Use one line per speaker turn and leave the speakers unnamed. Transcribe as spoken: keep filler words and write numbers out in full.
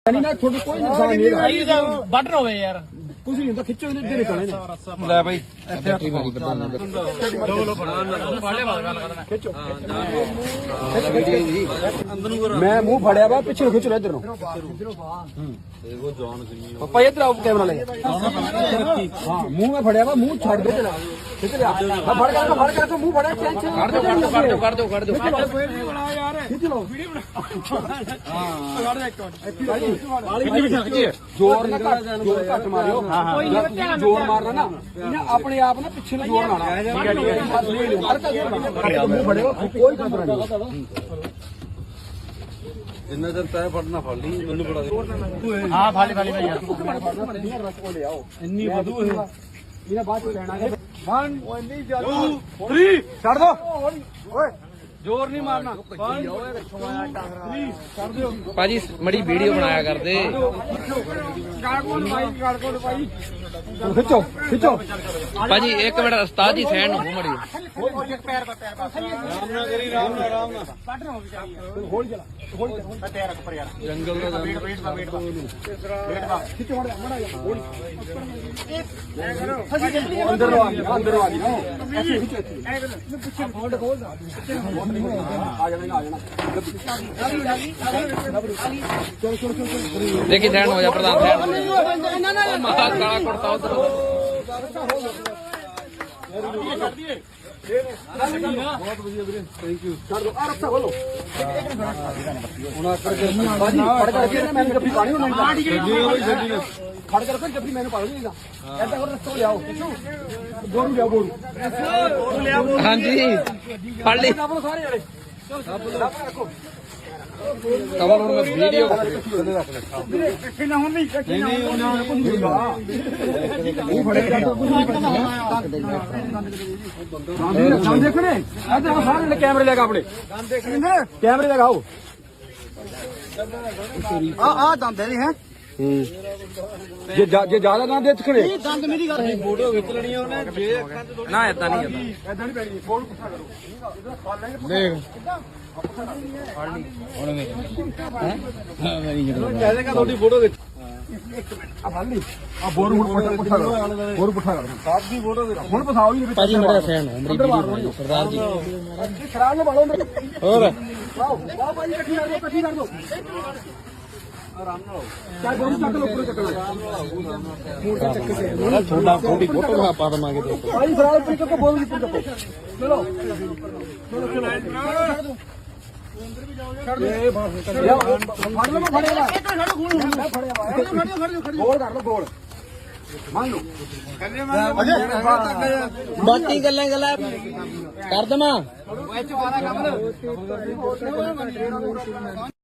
नहीं ना थोड़ी कोई नुकसान नहीं है
भाई ਇਹਦਾ ਬਟਨ ਹੋਵੇ ਯਾਰ
कुछ नहीं होता खिच्चो इधर निकलने ने ले भाई बैटरी मारी बटन दो लो फड़ा फाड़े बात गल करना खिच्चो मैं मुंह फड़या वा पीछे खिच लो इधर नो देखो जॉन करी पापा इधर आओ कैमरा ले हां मुंह में फड़या वा मुंह छोड़ दो चला खिच ले हां फड़ कर फड़ कर तो मुंह फड़ा टेंशन काट दो काट दो काट दो काट दो बना यार खिच लो वीडियो बना हां काट दे एक वाली खिच जोर ना जोर घट मारियो जोर मारना ना इन्हें अपने आप ना पिछले में जोर मारना मुंह फड़े कोई खतरा नहीं इन्ना जब तय फड़ना फड़ ली मैनू बड़ा
हां फाली फाली भाई यार
इन्नी बदू है इन्हें बाद में कहना है वन टू थ्री छड़ दो ओए जोर नहीं मारना
भाजी मड़ी वीडियो बनाया करते
खिचो खिचो
भाजी एक मिनट उस्ताद जी सैन हो मड़ी
जंगल अंदर अंदर
देखी सैन हो जा प्रधान सैन महा काला कुर्ता उधर
बहुत बढ़िया वीरे थैंक यू कर दो आ रस्ता खोलो हुन कर बाजी फड़ करके मैंने जब पानी होना नहीं खड़ कर फिर जब मैंने पानी नहीं था ऐसा कर रस्ता ले आओ बोरू ले आओ बोरू ले आओ
हां जी फड़ ली
सारे जड़े रखो
कवर ਹੁਣ ਮੈਂ ਵੀਡੀਓ
ਇਕੱਠੇ ਨਾ ਹੋਣ ਨਹੀਂ ਇਕੱਠੇ ਨਾ ਹੋਣ ਕੁਝ ਨਹੀਂ ਹੁੰਦਾ ਉਹ ਫੜੇ ਜਾਂਦਾ ਕੁਝ ਨਹੀਂ ਪਤਾ ਦੇਖੋ ਨੇ ਇੱਧਰ ਸਾਰੇ ਕੈਮਰੇ ਲਗਾ ਆਪਣੇ ਕੈਮਰੇ ਲਗਾਓ ਆ ਆ ਦੰਦ ਨੇ ਹੈ ਜੇ ਜੇ ਜ਼ਿਆਦਾ ਨਾ ਦੇ ਚਖਣੇ ਇਹ ਦੰਦ ਮੇਰੀ ਗੱਲ ਫੋਟੋ ਖਿੱਚ ਲੈਣੀ ਉਹਨੇ ਜੇ ਅੱਖਾਂ ਤੇ
ਨਾ ਇਦਾਂ ਨਹੀਂ ਇਦਾਂ
ਇਦਾਂ ਨਹੀਂ ਪੈਣੀ ਫੋਨ ਪੁੱਠਾ ਕਰੋ
ਦੇਖ ਫੜ ਲਈ ਹੁਣ ਵੇਖ ਹੈ ਹਾਂ ਮੇਰੀ ਜਦੋਂ
ਕਹਦੇਗਾ ਤੁਹਾਡੀ ਫੋਟੋ ਵਿੱਚ ਇੱਕ ਮਿੰਟ ਆ ਫੜ ਲਈ ਆ ਬੋਰ ਹੁਣ ਪੁੱਠਾ ਪੁੱਠਾ ਕਰ ਬੋਰ ਪੁੱਠਾ ਕਰ ਸਾਥ ਦੀ ਫੋਟੋ ਦੇ ਹੁਣ ਪਸਾਓ ਹੀ
ਭਾਜੀ ਮੇਰਾ ਫੈਨ ਹੋ ਮੇਰੀ ਵੀਡੀਓ ਸਰਦਾਰ ਜੀ
ਖਰਾਬ ਨਾ ਬਾਲੋ
ਹੋਰ
ਆਓ ਆਓ ਭਾਈ ਇਕੱਠੀ ਕਰ ਦੋ ਇਕੱਠੀ ਕਰ ਦੋ ਆਰਾਮ ਨਾਲ ਚਾਹ ਬੋਰ ਚੱਕ ਲੋ ਉੱਪਰ ਚੱਕਣਾ ਮੂਰ ਤੇ ਚੱਕ ਕੇ
ਬੜਾ ਛੋਟਾ ਥੋੜੀ ਫੋਟੋ ਬਣਾ ਪਾ ਦਵਾਂਗੇ ਤੇ
ਭਾਈ ਫਰਾਲ ਉੱਪਰ ਚੱਕੋ ਬੋਰ ਉੱਪਰ ਚੱਕੋ ਚਲੋ ਛੱਡ ਦੇ ਇਹ ਬਾਹਰ ਫੜ ਲਓ ਮੈਂ ਫੜੇਗਾ ਇੱਧਰ ਖੜੋ ਗੋਲ ਹੁੰਦਾ ਫੜਿਆ ਵਾ ਖੜਿਓ ਖੜਿਓ ਖੜਿਓ ਗੋਲ ਕਰ ਲਓ ਗੋਲ ਮੰਨ ਲਓ
ਬਾਕੀ ਗੱਲਾਂ ਗੱਲਾਂ ਕਰ ਦਵਾਂ
ਵਿੱਚ ਬਾਰਾ ਕੰਮ